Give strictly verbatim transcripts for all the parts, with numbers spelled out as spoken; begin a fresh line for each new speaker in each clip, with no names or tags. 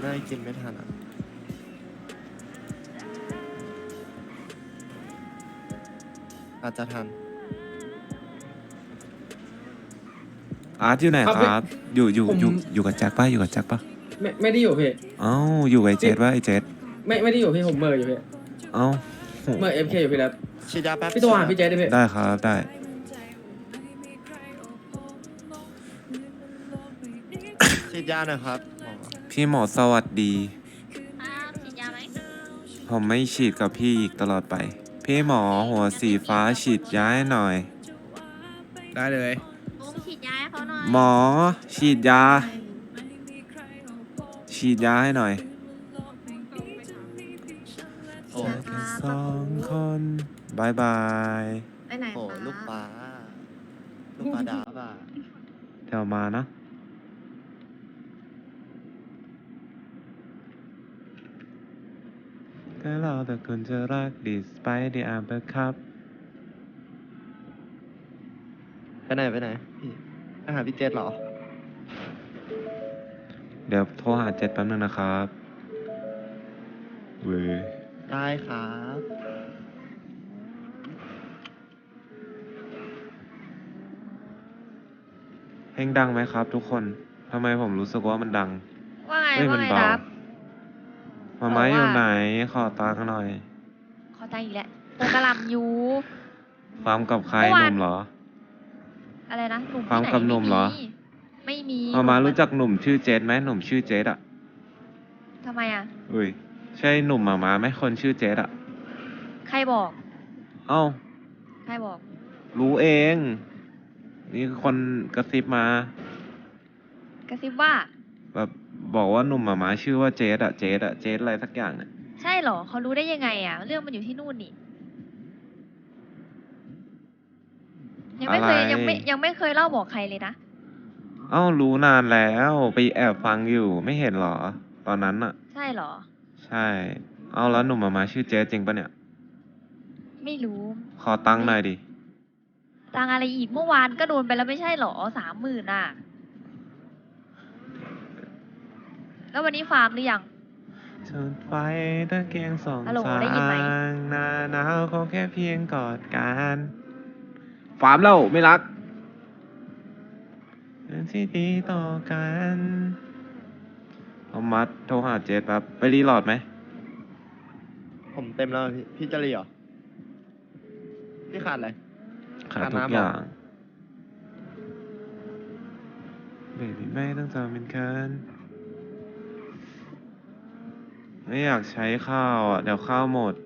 น่าจะกินไม่ทันอ่ะอาจจะทัน
อาร์ตอยู่ไหน
ครับ
ครับ อยู่อยู่
ผม
อยู่อยู่กับแจ็คป่ะอยู่กับแจ็คป่ะ
ไม่ไม่ได้อยู่พี่
เอ้าอยู่กับไอเจดป่ะไอเจด
ไม่ไม่ได้อยู่พี่ผมเมอร์อยู่พี่
เอ้า
เมอร์เอฟเคอยู่พี่แล้ว
ฉีดยาแป๊บ
พี่โทรหาพี่เจได้พี่
ได้ครับได้
ฉีดยาหน่อยครับหมอ
พี่หมอสวัสดี
ครับฉีดยาไหม
ผมไม่ฉีดกับพี่อีกตลอดไป พี่หมอหัวสีฟ้าฉีดยาให้หน่อย
ได้เลย
ลุงฉีดยาให้เขาหน่อย
หมอฉีดยา ฉีดยาให้หน่อย
โอ้
แค่สองคนบายบาย
ไปไหน
โห
คะ
ลูกปลาลูกปลาดาบอ่ะ
เดี๋ยวมานะ ก็เราแต่คนจะรักดีสไปดีอาร์เบอร์ครับ
ไปไหนไปไหนพี่ไปหาพี่เจษเหรอ
เดี๋ยวโทรหาเจ็ดแป๊บนึงนะครับเว้ย
ได้ครับ
เพลงดังไหมครับทุกคนทำไมผมรู้สึกว่ามันดัง
ว่าไง
เฮ้ย
ว่า
มัน
ไง
เบา
ครับ
มาม้า
บอกว่า
อยู่ไหน ขอตังค์หน่อย
ขอตังค์อีกแล้วเติมกระหลำอยู่
ฟาร์มกับใคร
เมื่อ
ห
วาน
นุ่มเหรอ
อะไรนะหนุ่ม
ฟัง
ที่ไหน
กับหนุ่มเหรอ
ไม่มี
มาม้า
หนุ่
รู้จักหนุ่มชื่อเจดไหมหนุ่มชื่อเจดอ่ะ
ทำไมอ่ะ
อุ้ย ใช่หนุ่มมาม้าไหมคนชื่อเจดอ่ะ
ใครบอก
เอ้า
ใครบอก
รู้เอง นี่คนกระซิบมา
กระซิบว่า
แบบบอกว่าหนุ่มมาม้าชื่อว่าเจดอ่ะ เจดอ่ะ เจดอะไรสักอย่างอ่ะ
ใช่เหรอเขารู้ได้ยังไงอ่ะ เรื่องมันอยู่ที่นู่นนี่ ยังไม่เคย
อะไร
ยังไม่ยังไม่เคยเล่าบอกใครเลยนะ
เอ้ารู้นานแล้วไปแอบฟังอยู่ไม่เห็นเหรอ ตอนนั้นอ่ะ
ใช่เหรอ
ใช่ เอาแล้วหนุ่มมาม้าชื่อเจดจริงปะเนี่ย
ไม่รู้
ขอตังค์หน่อยดิ
ตังค์อะไรอีกเมื่อวานก็โดนไปแล้วไม่ใช่เหรอสามหมื่นอ่ะ แล้ววันนี้ฟาร์มหรือยัง
จุดไฟตะเกียงสอง
ฮัลโหล
สา
ได้ยินไหม
งหน้าหนาวเขาแค่เพียงกอดกันฟาร์มแล้วไม่รักเป็นที่ดีต่อกันเอามัดโทรหาเจดแป๊บไปรีโหลดไหม
ผมเต็มแล้วพี่พี่จะรีเหรอพี่ขาดอะไร
ขาด
ขาด
ทุก
น้ำ
อ
เหรอ
ย่างเบบี้ไม่ต้องจำเป็นเคินไม่อยากใช้ข้าวอ่ะ เดี๋ยวข้าวหมด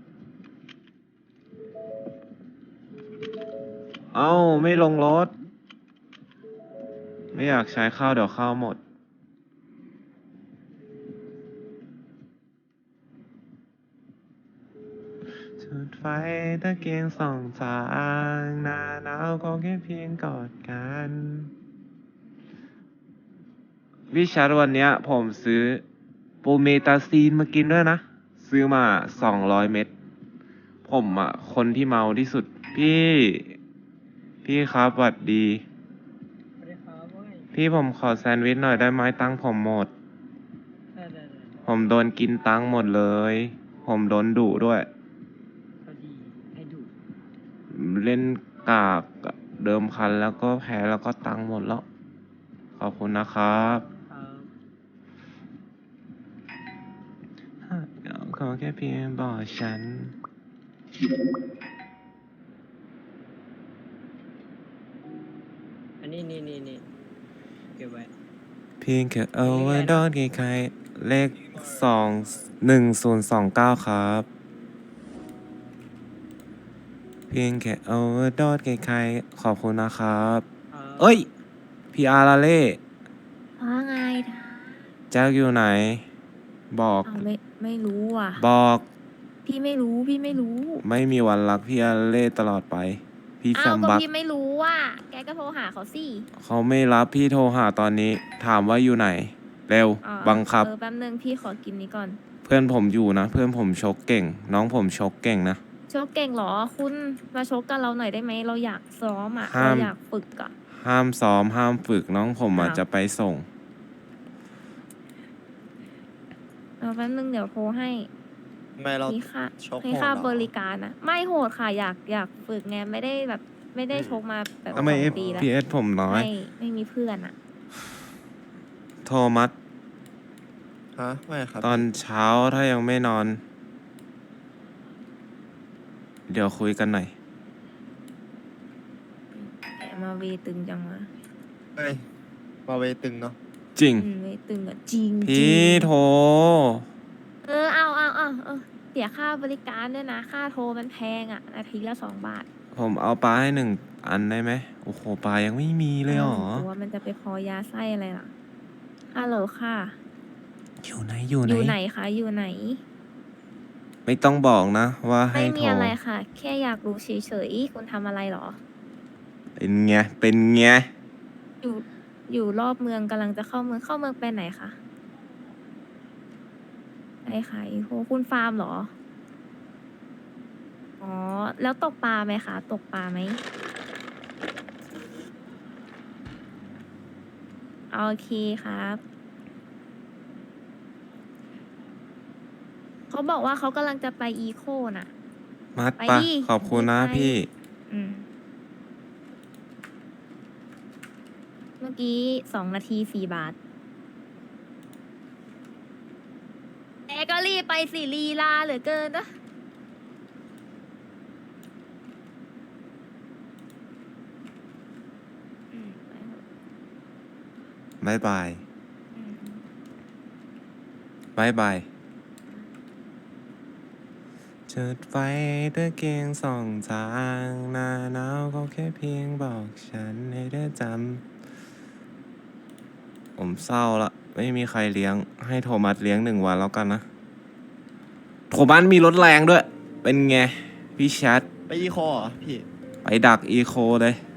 เอ้า ไม่ลงรถ ไม่อยากใช้ข้าวเดี๋ยวข้าวหมด จุดไฟตะเกียงสองสางหน้าหนาวก็แค่เพียงกอดกัน วิชาร์วันเนี้ย ผมซื้อโปรเมตาซีนมากินด้วยนะ ซื้อมาสองร้อยเม็ด ผมอ่ะ คนที่เมาที่สุด พี่ พี่ครับหวัดดี พี่ผมขอแซนด์วิชหน่อยได้ไหมตังค์ผมหมด ผมโดนกินตังค์หมดเลย ผมโดนดุด้วย เล่นกากเดิมพันแล้วก็แพ้แล้วก็ตังค์หมดแล้ว ขอบคุณนะครับขอแค่เพียงบอกฉัน
อันนี้นี่นี่นี่เก็บไว้
เพียงแค่เอาไว้ดอนใครๆเลขสองหนึ่งศูนย์สองเก้าครับ เพียงแค่เอาไว้ดอนใครๆขอบคุณนะครับ เอ้ย พีอาร์ลาเล่
ว่าไง
แจ็คอยู่ไหน บอก
อ้าวไม่ไม่รู้อ่ะ
บอก
พี่ไม่รู้พี่ไม่รู้
ไม่มีวันรักพี่อาร์เล่ตลอดไป พี่แฟ
อ้าว
ม
ก็
บัก
พี่ไม่รู้ว่า แกก็โทรหาเขาสิ
เขาไม่รับพี่โทรหาตอนนี้ ถามว่าอยู่ไหน เร็ว
อ่า
บังคับ
เออแป๊บนึงพี่ขอกินนี้ก่อน
เพื่อนผมอยู่นะ เพื่อนผมชกเก่ง น้องผมชกเก่งนะ
ชกเก่งเหรอ คุณมาชกกันเราหน่อยได้ไหม เราอยากซ้อมอ่ะ
ห้าม
เราอยากฝึกอ่ะ
ห้ามซ้อมห้ามฝึกน้องผมอาจ
อ้าว
จะไปส่ง
เอาแป๊บนึงเดี๋ยวโทรให้
ไม่เรา
มีค่า
ชก
มี
โหด
ค่า
เหรอ
บริการนะไม่โหดค่ะอยากอยากฝึกไงไม่ได้แบบ ไม่ได้ชกมาแบบ
ทำไม
ส
เอ
องปีแล้ว
พีเอสผมน้อย
ไม่ไม่มีเพื่อนอ่ะ
โทมัส
ฮะไม่ครับ
ตอนเช้าถ้ายังไม่นอน เดี๋ยวคุยกันหน่อย
แกมาเวตึงจังวะ
เฮ้ยมาเวตึงเนาะ
จริง
อืมเวตึงอ่ะจริง
พี่
จริง
โทร
เออเอาเอาเอาเออเสียค่าบริการด้วยนะ ค่าโทรมันแพงอ่ะ นาทีละสองบาท
ผมเอาปลาให้หนึ่งอันได้ไหมโอ้โหปลายังไม่มีเลยเหรอ
ตัวมันจะไปพอยาไส้อะไรล่ะฮัลโหลค่ะ
อยู่ไหนอยู่
อ
ไหน
ยู่ไหนคะ อยู่ไหน
ไม่ต้องบอกนะ ว่าให้
ไม่
โท
มี
ร
อะไรค่ะ แค่อยากรู้เฉยๆ คุณทำอะไรเหรอ
เป็นไง เป็นไง
อยู่ อยู่รอบเมืองกำลังจะเข้าเมือง เข้าเมืองไปไหนคะไปขายโหคุณฟาร์มเหรอ อ๋อ แล้วตกปลาไหมคะ ตกปลาไหม โอเคครับ เขาบอกว่าเขากำลังจะไปอีโคน่ะ
มัด
ไป
ปะ
ดิ
ขอบคุณนะ
ไป
พี่
อืม เมื่อกี้สองนาทีสี่บาทแอก็รีบไปสิลีลาเหลือเกินนะอืมไปเถอะ
บายบาย
อืม
บายบายจุดไฟตะเกียงสองทางหน้าหนาวเขาแค่เพียงบอกฉันให้ได้จำผมเศร้าละ ไม่มีใครเลี้ยง ให้โทมัสเลี้ยงหนึ่งวันแล้วกันนะ โทมัสมีรถแรงด้วย เป็นไง พี่แชท
ไปอีโคเหรอพี่
ไปดักอีโคเลย